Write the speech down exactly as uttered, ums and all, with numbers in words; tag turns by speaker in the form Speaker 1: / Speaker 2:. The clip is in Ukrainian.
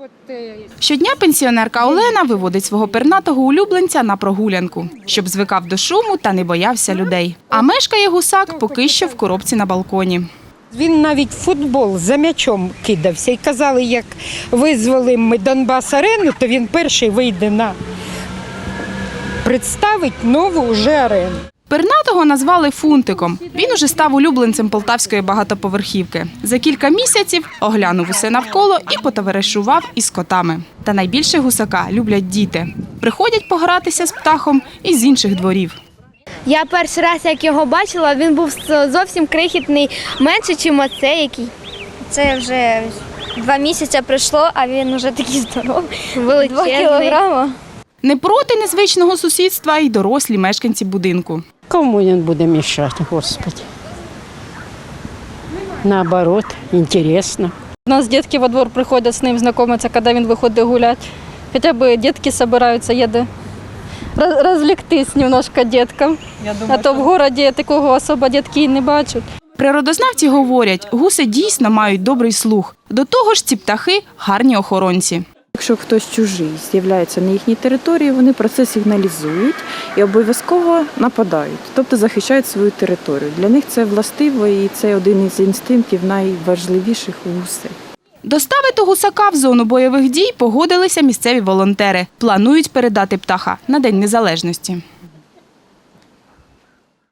Speaker 1: Щодня пенсіонерка Олена виводить свого пернатого улюбленця на прогулянку, щоб звикав до шуму та не боявся людей. А мешкає гусак поки що в коробці на балконі.
Speaker 2: Він навіть в футбол за м'ячом кидався. І казали, як визволимо ми Донбас-арену, то він перший вийде на представить нову вже арену.
Speaker 1: Пернатого назвали Фунтиком. Він уже став улюбленцем полтавської багатоповерхівки. За кілька місяців оглянув усе навколо і потоваришував із котами. Та найбільше гусака люблять діти. Приходять погратися з птахом із інших дворів.
Speaker 3: Я перший раз, як його бачила, він був зовсім крихітний, менше, ніж оцей який.
Speaker 4: Це вже два місяці пройшло, а він вже такий здоровий,
Speaker 3: Величезний.
Speaker 4: два кілограми.
Speaker 1: Не проти незвичного сусідства й дорослі мешканці будинку.
Speaker 2: Кому він буде мішати, Господи? Наоборот, інтересно.
Speaker 5: У нас дітки во двор приходять з ним знайомитися, коли він виходить гуляти. Хоча б дітки збираються, їде розліктись немножко діткам. А то в місті такого особо дітки і не бачать.
Speaker 1: Природознавці говорять, гуси дійсно мають добрий слух. До того ж ці птахи – гарні охоронці.
Speaker 6: Якщо хтось чужий з'являється на їхній території, вони про це сигналізують і обов'язково нападають, тобто захищають свою територію. Для них це властиво і це один із інстинктів найважливіших у гусей.
Speaker 1: Доставити гусака в зону бойових дій погодилися місцеві волонтери. Планують передати птаха на День Незалежності.